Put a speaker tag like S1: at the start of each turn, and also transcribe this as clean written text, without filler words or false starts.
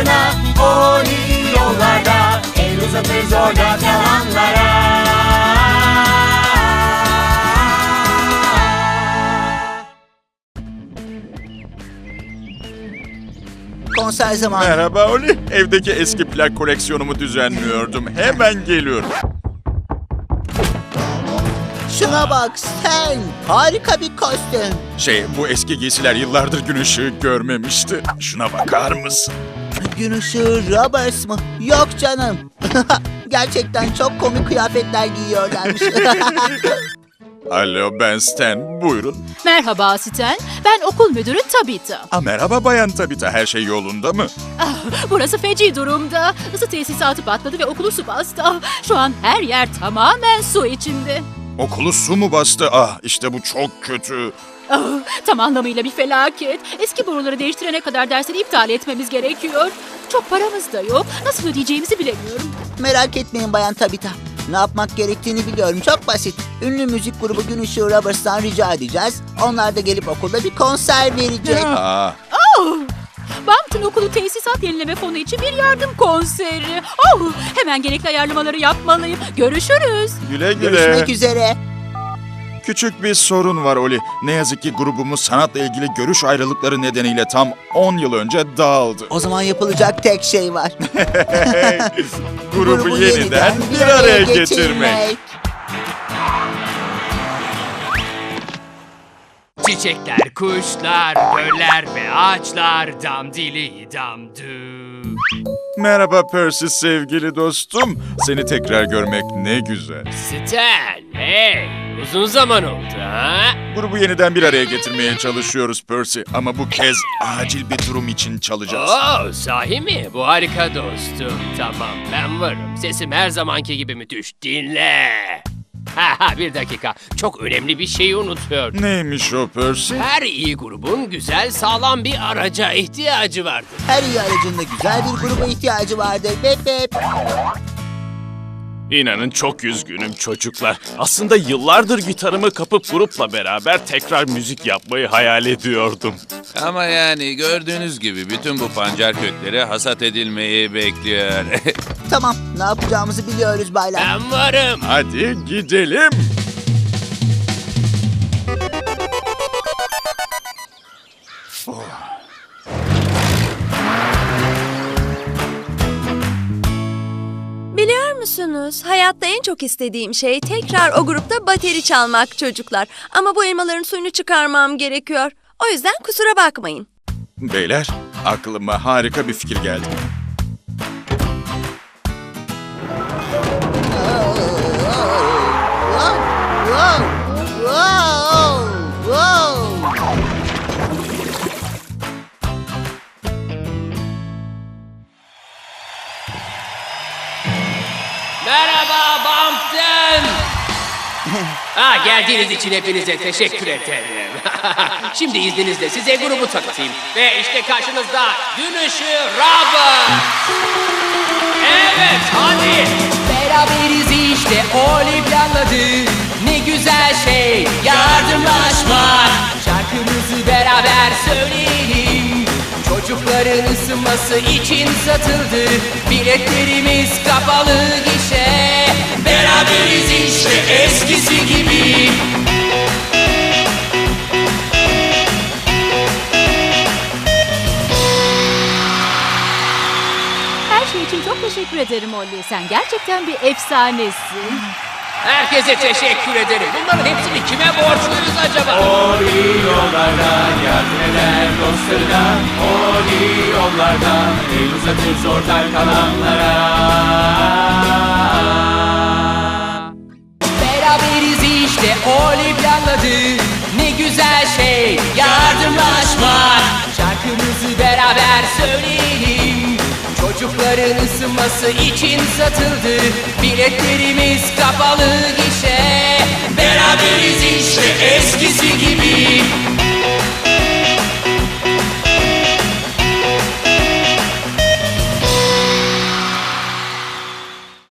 S1: ardına. Oli yollarda, el uzatır zorda kalanlara.
S2: Konser zamanı.
S3: Merhaba Oli. Evdeki eski plak koleksiyonumu düzenliyordum. Hemen geliyorum.
S2: Şuna bak sen. Harika bir kostüm.
S3: Bu eski giysiler yıllardır gün ışığı görmemişti. Şuna bakar mısın?
S2: Gün ışığı Roberts mı? Yok canım. Gerçekten çok komik kıyafetler giyiyorlarmış.
S3: Alo, ben Stan. Buyurun.
S4: Merhaba Stan, ben okul müdürü Tabitha.
S3: Merhaba Bayan Tabitha. Her şey yolunda mı?
S4: Burası feci durumda. Isı tesisatı patladı ve okulu su bastı. Şu an her yer tamamen su içinde.
S3: Okulu su mu bastı? İşte bu çok kötü.
S4: Tam anlamıyla bir felaket. Eski boruları değiştirene kadar dersleri iptal etmemiz gerekiyor. Çok paramız da yok. Nasıl ödeyeceğimizi bilemiyorum.
S2: Merak etmeyin Bayan Tabitha. Ne yapmak gerektiğini biliyorum. Çok basit. Ünlü müzik grubu Gün Işığı Roberts'tan rica edeceğiz. Onlar da gelip okulda bir konser verecek.
S4: Bampton Okulu Tesisat Yenileme Fonu için bir yardım konseri. Hemen gerekli ayarlamaları yapmalıyım. Görüşürüz.
S3: Güle güle.
S2: Görüşmek üzere.
S3: Küçük bir sorun var Oli. Ne yazık ki grubumuz sanatla ilgili görüş ayrılıkları nedeniyle tam 10 yıl önce dağıldı.
S2: O zaman yapılacak tek şey var.
S3: Grubu yeniden bir araya getirmek.
S5: Çiçekler, kuşlar, göller ve ağaçlar dam dili damdü.
S3: Merhaba Percy sevgili dostum. Seni tekrar görmek ne güzel.
S5: Stan, hey, uzun zaman oldu ha?
S3: Grubu yeniden bir araya getirmeye çalışıyoruz Percy. Ama bu kez acil bir durum için çalacağız.
S5: Sahi mi? Bu harika dostum. Tamam, ben varım. Sesim her zamanki gibi müthiş. Dinle. Bir dakika. Çok önemli bir şeyi unutuyordum.
S3: Neymiş o Percy?
S5: Her iyi grubun güzel, sağlam bir araca ihtiyacı vardır.
S2: Her iyi aracında güzel bir gruba ihtiyacı vardır. Bep bep.
S6: İnanın çok üzgünüm çocuklar. Aslında yıllardır gitarımı kapıp grupla beraber tekrar müzik yapmayı hayal ediyordum.
S7: Ama yani gördüğünüz gibi bütün bu pancar kökleri hasat edilmeyi bekliyor.
S2: Tamam, ne yapacağımızı biliyoruz baylar.
S5: Ben varım.
S3: Hadi gidelim.
S8: Biliyor musunuz? Hayatta en çok istediğim şey tekrar o grupta bateri çalmak çocuklar. Ama bu elmaların suyunu çıkarmam gerekiyor. O yüzden kusura bakmayın.
S3: Beyler, aklıma harika bir fikir geldi.
S5: Merhaba Bumpton. Geldiğiniz için hepinize teşekkür ederim. Şimdi izninizle size grubu tanıtayım. Ve işte karşınızda Gün Işığı Robert. Evet, hadi. Beraberiz işte, Oli planladı. Ne güzel şey, yardımlaşmak. Şarkımızı beraber söyleyelim. Çocukların ısınması için satıldı. Biletlerimiz kapalı gişe. Beraberiz işte eskisi gibi.
S4: Her şey için çok teşekkür ederim Ollie. Sen gerçekten bir efsanesin.
S5: Herkese teşekkür ederim. Bunların hepsini kime borçluyuz acaba?
S1: Oli yollardan yardım eder dostlarına. Oli yollardan el uzatır zordan kalanlara.
S5: Beraberiz işte, Oli planladı. Ne güzel şey, yardımlaşmak. Şarkımızı beraber söyleyelim. Çocukların ısınması için satıldı. Biletlerimiz kapalı gişe. Beraberiz işte eskisi gibi.